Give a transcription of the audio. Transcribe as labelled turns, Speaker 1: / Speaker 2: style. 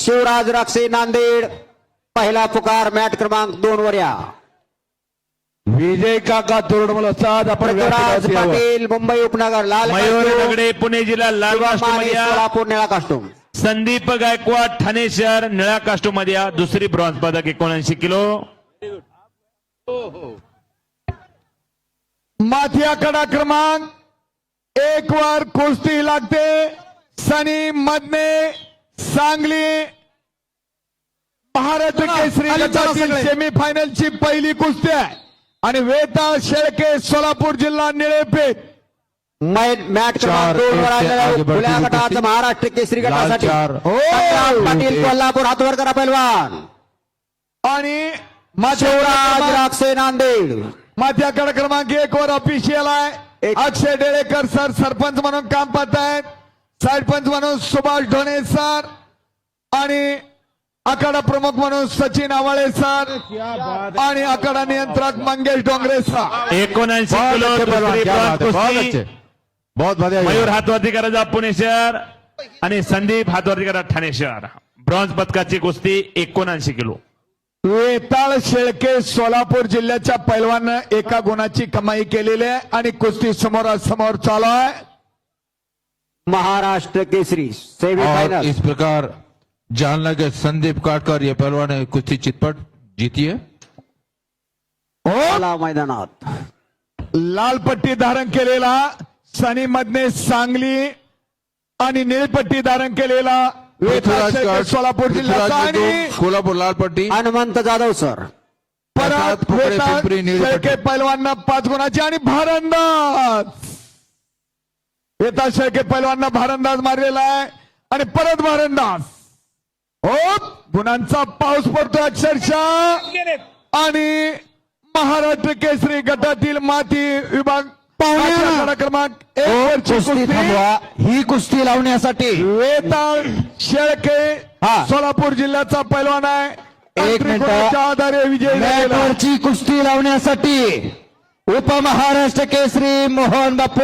Speaker 1: शिवराज राक्षे नांदेड पहिला पुकार मॅट क्रमांक 2 वर या.
Speaker 2: विजय काका तोरडमल साध आपण
Speaker 1: पृथ्वीराज पाटील मुंबई उपनगर लाल
Speaker 3: मयूर
Speaker 1: कास्टूम,
Speaker 3: दगडे पुणे जिल्हा लाल
Speaker 1: शिवम
Speaker 3: कास्टूम
Speaker 1: माने,
Speaker 3: मध्ये या.
Speaker 1: सोलापूर निळा कास्टूम.
Speaker 3: संदीप गायकवाड ठाणे शहर निळा कास्टूम मध्ये या. दुसरी ब्रॉन्झ पदक 79 किलो.
Speaker 2: माथी आकडा क्रमांक 1 वर कुस्ती लागते. सनी मधने सांगली महाराष्ट्र केसरी गटातील सेमीफायनलची पहिली कुस्ती आहे आणि वेताळ शेळके सोलापूर जिल्हा निळेपेठ
Speaker 1: मॅट क्रमांक 2 वर आलेल्या खुल्या गटाचा महाराष्ट्र केसरी गटासाठी संग्राम पाटील कोल्हापूर हातवर करा पैलवान
Speaker 2: आणि
Speaker 1: शिवराज राक्षे नांदेड.
Speaker 2: माथी आकडा क्रमांक 1 वर ऑफिशियल आहे. अक्षय डेळेकर सर सरपंच म्हणून काम पाहत आहेत. सरपंच म्हणून सुभाष ढोणे सर आणि आखाडा प्रमुख म्हणून सचिन आवाळे सर आणि आखाडा नियंत्रक मंगेश डोंगरे सर.
Speaker 3: 79 किलो दुसरी ब्रॉन्झ कुस्ती. मयूर हातवरती करायचा पुणे शहर आणि संदीप हातवरती करा ठाणे शहर. ब्रॉन्झ पदकाची कुस्ती 79 किलो.
Speaker 2: वेताळ शेळके सोलापूर जिल्ह्याच्या पैलवानं एका गुणाची कमाई केलेली आहे आणि कुस्ती समोरासमोर चालू आहे.
Speaker 1: महाराष्ट्र केसरी
Speaker 4: और
Speaker 1: सेमीफाइनल.
Speaker 4: इस प्रकार जालना के संदीप काटकर ये पहलवान ने कुश्ती चितपट जीती है.
Speaker 1: हो मैदानात
Speaker 2: लाल पट्टी धारण केलेला सनी मधने सांगली आणि निळपट्टी धारण केलेला वेताळ शेळके सोलापूर जिल्ह्याचा आणि
Speaker 4: कोल्हापूर लाल पट्टी
Speaker 1: हनुमंत जाधव सर.
Speaker 2: परत
Speaker 4: पुकडे,
Speaker 2: वेताळ
Speaker 4: पिंपरी, निळी
Speaker 2: शेळके
Speaker 4: पट्टी.
Speaker 2: पैलवांना 5 गुणाची आणि भारंदाज वेताळ शेळके पैलवांना भारंदाज मारलेला आहे आणि परत भारंदाज. हो गुणांचा पाऊस पडतो अक्षरशः आणि महाराष्ट्र केसरी गटातील माती विभाग आखाडा क्रमांक 1 वरची
Speaker 1: कुस्ती
Speaker 2: कुस्ती
Speaker 1: थांबवा. ही कुस्ती लावण्यासाठी
Speaker 2: वेताळ शेळके सोलापूर जिल्ह्याचा पैलवान आहे.
Speaker 1: 1 मिनिट.
Speaker 2: त्रिकोणाच्या आधारे विजय झालेला आहे.
Speaker 1: मॅटवरची कुस्ती लावण्यासाठी उपमहाराष्ट्र केसरी मोहन बापू